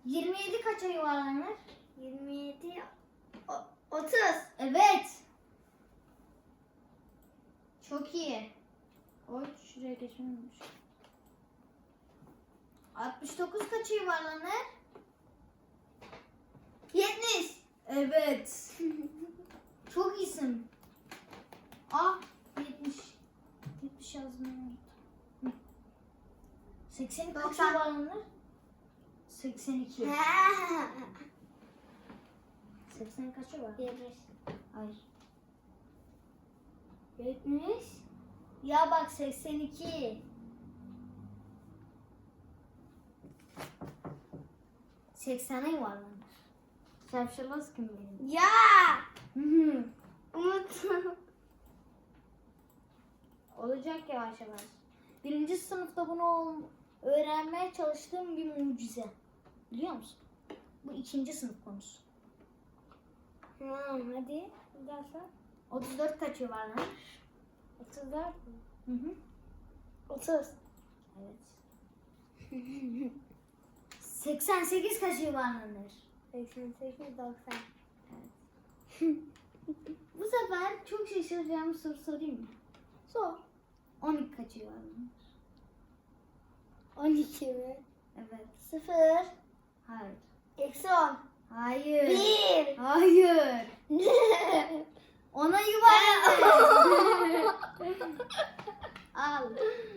27 kaça yuvarlanır? 27. 30. Evet. Çok iyi. Oy, şuraya geçmemiş. 69 kaça yuvarlanır? 70. Evet. Çok iyisin. Ah, 70. 70 yazmayı unuttum. 82 kaça 90. yuvarlanır? 82. 80 kaça var? 70. Hayır. 70. Ya bak 82. 80'e yuvarlanır. Şapşalaz kim benim? Ya. Hı hı. Unuttum. Olacak yavaş yavaş. Birinci sınıfta bunu öğrenmeye çalıştığım bir mucize. Biliyor musun? Bu ikinci sınıf konusu. Hadi. Bir daha sor. 34 kaç yuvarlanır? 34 mü? Hı hı. 30. Evet. 88 kaç yuvarlanır? 88, 90. Bu sefer çok şaşıracağım bir soru sorayım mı? Sor. 12 kaç yuvarlanır? 12 mi? Evet. 0. Hayır. Eksi 10. Hayır. 1. Hayır. Ona yuvarlanır. Al.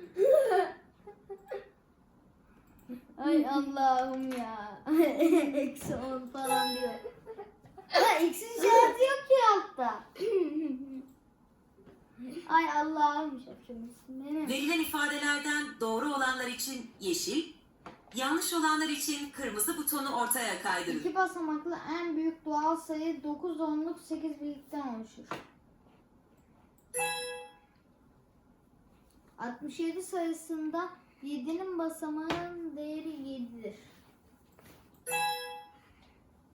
Ay Allah'ım ya. Eksi 10 falan diyor. Ha, eksi işareti yok ki altta. Ay Allah'ım şapşalısın benim. Verilen ifadelerden doğru olanlar için yeşil, yanlış olanlar için kırmızı butonu ortaya kaydırın. 2 basamaklı en büyük doğal sayı 9 onluk 8 birlikten oluşur. 67 sayısında 7'nin basamağının değeri 7'dir.